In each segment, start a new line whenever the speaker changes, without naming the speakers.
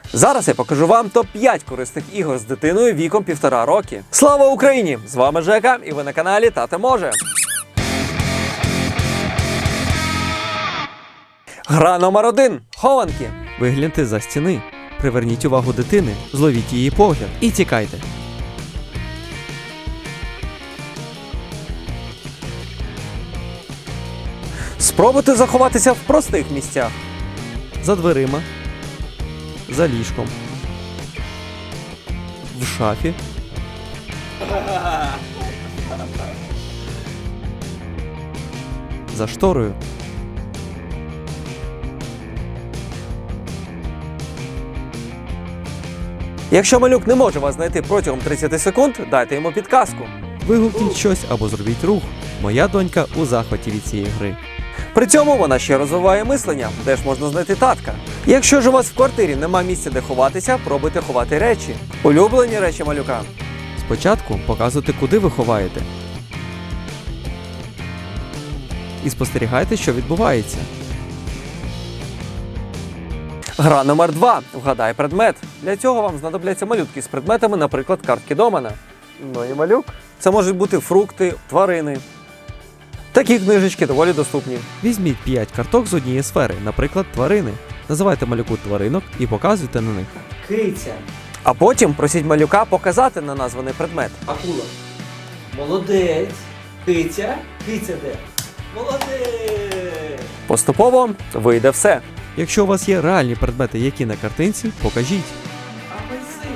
Зараз я покажу вам топ-5 корисних ігор з дитиною віком 1,5 роки. Слава Україні! З вами Жека і ви на каналі Тато Може. Гра номер 1. Хованки.
Вигляньте за стіни, приверніть увагу дитини, зловіть її погляд і тікайте.
Спробуйте заховатися в простих місцях.
За дверима, за ліжком, в шафі, за шторою.
Якщо малюк не може вас знайти протягом 30 секунд, дайте йому підказку.
Вигукніть щось або зробіть рух. Моя донька у захваті від цієї гри.
При цьому вона ще розвиває мислення, де ж можна знайти татка. Якщо ж у вас в квартирі нема місця, де ховатися, пробуйте ховати речі. Улюблені речі малюка.
Спочатку показуйте, куди ви ховаєте. І спостерігайте, що відбувається.
Гра номер 2. Вгадай предмет. Для цього вам знадобляться малютки з предметами, наприклад, картки домана. Ну і малюк. Це можуть бути фрукти, тварини. Такі книжечки доволі доступні.
Візьміть 5 карток з однієї сфери, наприклад, тварини. Називайте малюку тваринок і показуйте на них.
Киця.
А потім просіть малюка показати на названий предмет.
Акула. Молодець. Киця. Киця де? Молодець.
Поступово вийде все.
Якщо у вас є реальні предмети, які на картинці, покажіть.
Апельсин.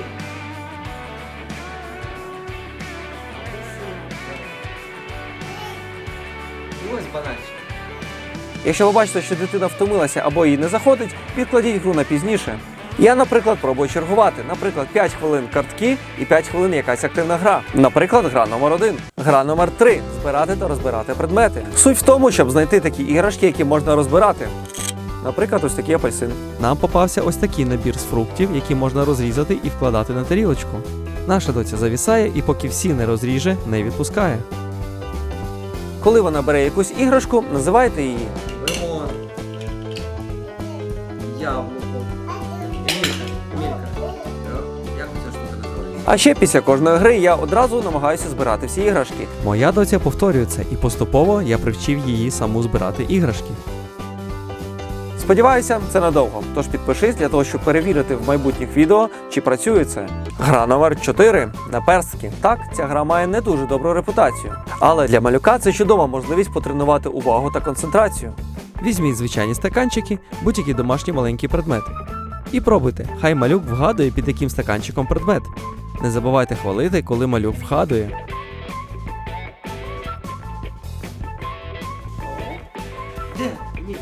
І ось бананчик.
Якщо ви бачите, що дитина втомилася або їй не заходить, відкладіть гру на пізніше. Я, наприклад, пробую чергувати. Наприклад, 5 хвилин картки і 5 хвилин якась активна гра. Наприклад, гра номер 1. Гра номер 3. Збирати та розбирати предмети. Суть в тому, щоб знайти такі іграшки, які можна розбирати. Наприклад, ось такі апельсини.
Нам попався ось такий набір з фруктів, які можна розрізати і вкладати на тарілочку. Наша доця завісає і поки всі не розріже, не відпускає.
Коли вона бере якусь іграшку, називайте її.
Лимон. Яблуко. Емілька. Як ця штука називається?
А ще після кожної гри я одразу намагаюся збирати всі іграшки.
Моя доця повторює це, і поступово я привчив її саму збирати іграшки.
Сподіваюся, це надовго. Тож підпишись для того, щоб перевірити в майбутніх відео, чи працює це. Гра номер 4. Наперстки. Так, ця гра має не дуже добру репутацію. Але для малюка це чудова можливість потренувати увагу та концентрацію.
Візьміть звичайні стаканчики, будь-які домашні маленькі предмети. І пробуйте, хай малюк вгадує, під яким стаканчиком предмет. Не забувайте хвалити, коли малюк вгадує.
Де? Емілька.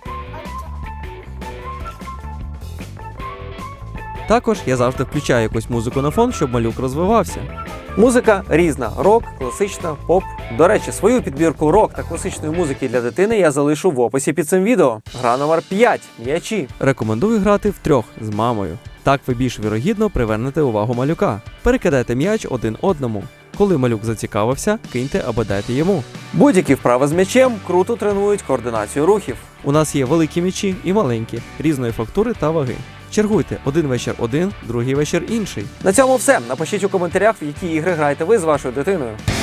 Також я завжди включаю якусь музику на фон, щоб малюк розвивався.
Музика різна: рок, класична, поп. До речі, свою підбірку рок та класичної музики для дитини я залишу в описі під цим відео. Гра номер 5. М'ячі.
Рекомендую грати втрьох з мамою. Так ви більш вірогідно привернете увагу малюка. Перекидайте м'яч один одному. Коли малюк зацікавився, киньте або дайте йому.
Будь-які вправи з м'ячем круто тренують координацію рухів.
У нас є великі м'ячі і маленькі, різної фактури та ваги. Чергуйте, один вечір один, другий вечір інший.
На цьому все. Напишіть у коментарях, в які ігри граєте ви з вашою дитиною.